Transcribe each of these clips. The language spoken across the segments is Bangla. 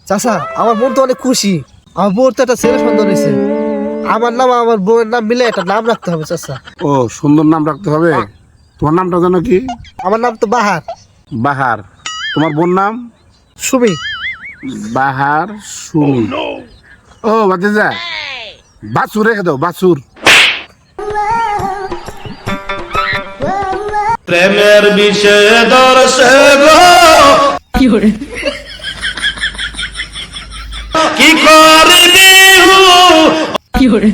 চাচা আমার বোন তো অনেক খুশি, আমার বোন তো একটা ছেলে সন্তান হয়েছে। আমার নাম আমার বোনের নাম মিলে একটা নাম রাখতে হবে চাচা। ও সুন্দর নাম রাখতে হবে। তোমার নামটা জানো কি? আমার নাম তো বাহার। বাহার। তোমার বোন নাম? সুমি। বাহার সুমি। ও ভাতিজা, বাছুর রেখে দাও, বাছুর। প্রেমের বিষয়ে দর্শে গো কি করে কি করবি কি করে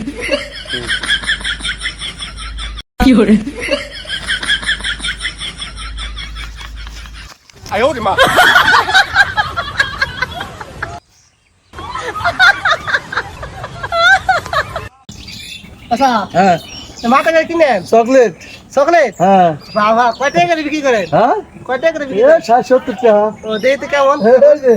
কি করে আচ্ছা হ্যাঁ মাথা করে কিনেন চকলেট। চকলেট। হ্যাঁ বাবা কয় টাকা করে বিক্রি করেন? হ্যাঁ কয় টাকা করে বিক্রি এ করেন? 60-70 টাকা। ও দেখতে কেমন? এই যে,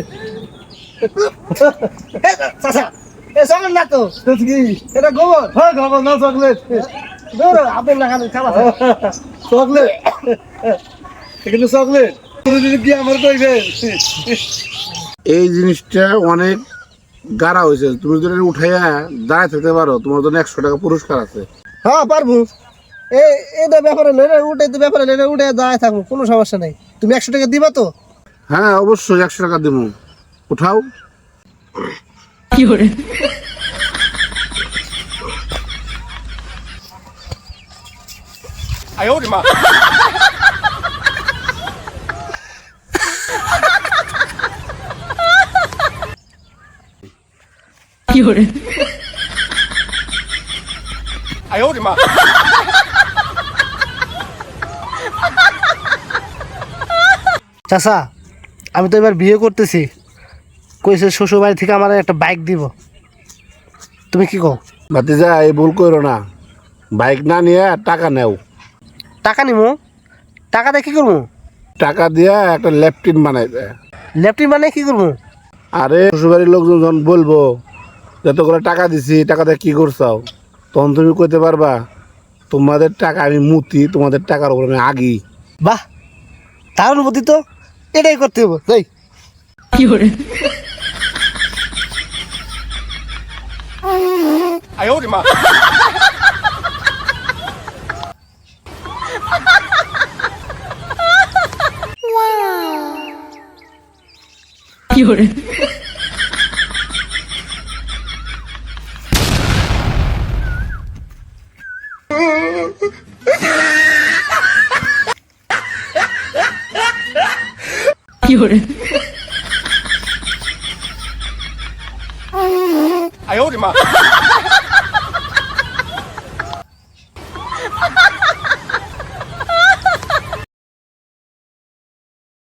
চাচা এ চকলেট না তো, এটা কি? এটা গোবর। হ্যাঁ খাবো না চকলেট। দূর আপনি না খাবেন খাবার। চকলেট এখানে চকলেট তুমি যদি কি আমার কইবে? এই জিনিসটা অনেক গাড়া হয়েছে, তুমি যদি এটা উঠাইয়া দাঁড়ায় থাকতে পারো তোমার জন্য 100 টাকা পুরস্কার আছে। হ্যাঁ পারবো। এটা ব্যাপারে উঠে তো ব্যাপারে উঠে দাঁড়ায় থাকবো, কোনো সমস্যা নেই। তুমি 100 টাকা দিবা তো? হ্যাঁ অবশ্যই 100 টাকা দেবো, উঠাও। কি করে কি করে চাচা আমি তো এবার বিয়ে করতেছি, কইছে শ্বশুর বাড়ি থেকে আমার একটা বাইক দিব, তুমি কি কও? ভাতিজা এই ভুল করো না, বাইক না নিয়ে টাকা নেও। টাকা নিবো? টাকা দিয়ে কি করবো? টাকা দিয়া একটা ল্যাপটিন বানাই দেয়। ল্যাপটিন মানে কি করবো? আরে শ্বশুরবাড়ির লোকজন যখন বলবো যত করে টাকা দিছি, টাকা দিয়ে কি করছাও, তখন তুমি কইতে পারবা তোমাদের টাকা আমি মুতি, তোমাদের টাকার উপর আমি আগি। বাহ দারুণ বুদ্ধি তো, এটাই করতে হবে তাই। কি করে কি করে কি করে আয় ওরে মা